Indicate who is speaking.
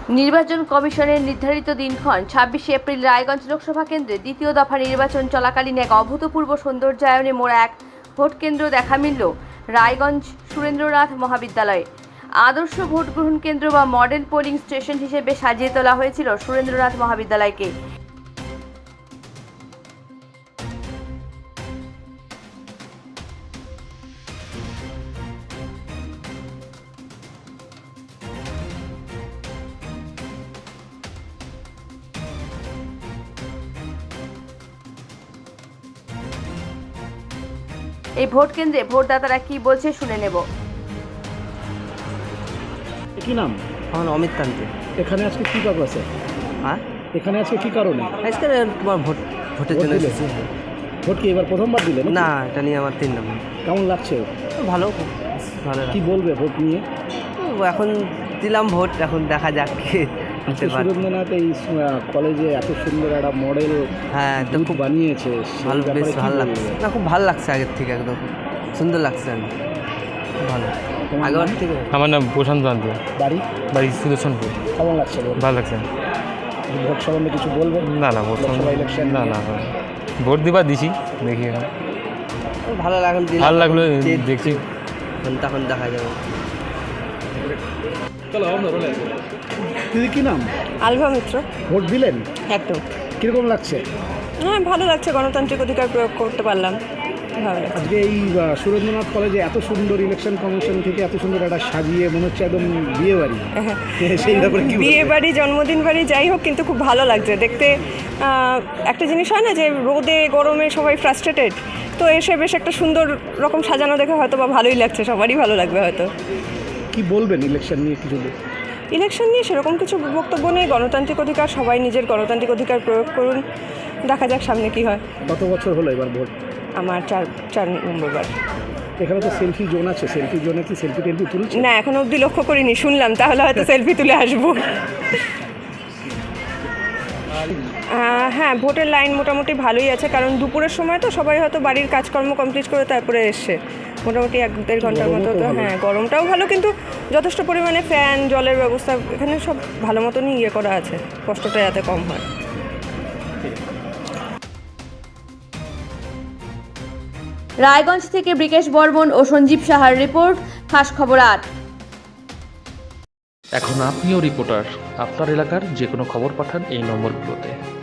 Speaker 1: নির্বাচন কমিশনের নির্ধারিত দিনক্ষণ ২৬শে এপ্রিল রায়গঞ্জ লোকসভা কেন্দ্রে দ্বিতীয় দফা নির্বাচন চলাকালীন এক অভূতপূর্ব সৌন্দর্যায়নে মোড়া এক ভোট কেন্দ্র দেখা মিলল রায়গঞ্জ সুরেন্দ্রনাথ মহাবিদ্যালয়ে। আদর্শ ভোট গ্রহণ কেন্দ্র বা মডেল পোলিং স্টেশন হিসেবে সাজিয়ে তোলা হয়েছিল সুরেন্দ্রনাথ মহাবিদ্যালয়কে। এই ভোট কেন্দ্রে ভোটদাতারা কি বলছে শুনে নেব।
Speaker 2: কি নাম?
Speaker 3: আমার অমিত কান্তি।
Speaker 2: এখানে আজকে কি কাজ আছে?
Speaker 3: হ্যাঁ,
Speaker 2: এখানে আজকে কি কারণে?
Speaker 3: আজকে তোমার ভোটের জন্য এসেছি।
Speaker 2: ভোট কি এবার প্রথমবার দিলেন?
Speaker 3: না, এটা নিয়ে আমার 3 নম্বর।
Speaker 2: কেমন লাগছে?
Speaker 3: ভালো, ভালো।
Speaker 2: কি বলবে ভোট নিয়ে?
Speaker 3: এখন দিলাম ভোট, এখন দেখা যাক কি।
Speaker 2: সুরেন্দ্রনাথ এই কলেজে এত সুন্দর একটা মডেল
Speaker 3: তো
Speaker 2: খুব বানিয়েছে,
Speaker 3: ভালো, বেশ ভালো লাগছে। না, খুব ভালো লাগছে, আগের থেকে একদম সুন্দর লাগছে, ভালো। আগের থেকে।
Speaker 4: আমার নাম প্রশান্ত কান্তি।
Speaker 2: বাড়ি
Speaker 4: সুদর্শনপুর।
Speaker 2: কেমন লাগছে?
Speaker 4: ভালো লাগছে।
Speaker 2: ভোট সম্বন্ধে কিছু বলবেন?
Speaker 4: না ভোট
Speaker 2: ইলেকশন
Speaker 4: না ভোট দিবার দিছি, দেখি
Speaker 3: ভালো লাগলো,
Speaker 4: ভালো লাগলো, দেখছি
Speaker 3: তখন দেখা যাবে।
Speaker 2: দিদি কি নাম?
Speaker 5: আলভা মিত্র।
Speaker 2: ভোট দিলেন?
Speaker 5: একদম।
Speaker 2: কিরকম লাগছে?
Speaker 5: হ্যাঁ, ভালো লাগছে, গণতান্ত্রিক অধিকার প্রয়োগ করতে পারলাম, ভালো লাগছে।
Speaker 2: আজকে এই সুরেন্দ্রনাথ কলেজে এত সুন্দর ইলেকশন কমিশন থেকে এত সুন্দর একটা সাজিয়ে মনে হচ্ছে একদম বিয়ে বাড়ি। সেই ব্যাপারে কি
Speaker 5: বিয়ে বাড়ি, জন্মদিন বাড়ি, যাই হোক, কিন্তু খুব ভালো লাগছে দেখতে। একটা জিনিস হয় না যে রোদে গরমে সবাই ফ্রাস্ট্রেটেড, তো এসে বেশ একটা সুন্দর রকম সাজানো দেখে হয়তো বা ভালোই লাগছে, সবারই ভালো লাগবে হয়তো।
Speaker 2: কি বলবেন ইলেকশন নিয়ে কিছু?
Speaker 5: ইলেকশন নিয়ে সেরকম কিছু বক্তব্য নেই, গণতান্ত্রিক অধিকার, সবাই নিজের গণতান্ত্রিক অধিকার প্রয়োগ করুন, দেখা যাক সামনে কি হয়।
Speaker 2: কত বছর হলো এবার ভোট?
Speaker 5: আমার 4 নম্বরবার।
Speaker 2: এখানে তো সেলফি জোন আছে, সেলফি জোনে কি সেলফি টেলফি তুলছে?
Speaker 5: না, এখনো অবধি লক্ষ্য করিনি, শুনলাম, তাহলে হয়তো সেলফি তুলে আসবো। হ্যাঁ, ভোটের লাইন মোটামুটি ভালোই আছে, কারণ দুপুরের সময় তো সবাই হয়তো বাড়ির কাজকর্ম কমপ্লিট করে তারপরে এসছে, মোটামুটি 1-1.5 ঘন্টার মতো। তো হ্যাঁ, গরমটাও ভালো, কিন্তু যথেষ্ট পরিমাণে ফ্যান, জলের ব্যবস্থা এখানে সব ভালো মতনই করা আছে, কষ্টটা যাতে কম হয়।
Speaker 1: রায়গঞ্জ থেকে ব্রিকেশ বর্মন ও সঞ্জীব সাহার রিপোর্ট, খাস খবর 8।
Speaker 6: এখন আপনিও রিপোর্টার, আপনার এলাকার যে কোনো খবর পাঠান এই নম্বরগুলোতে।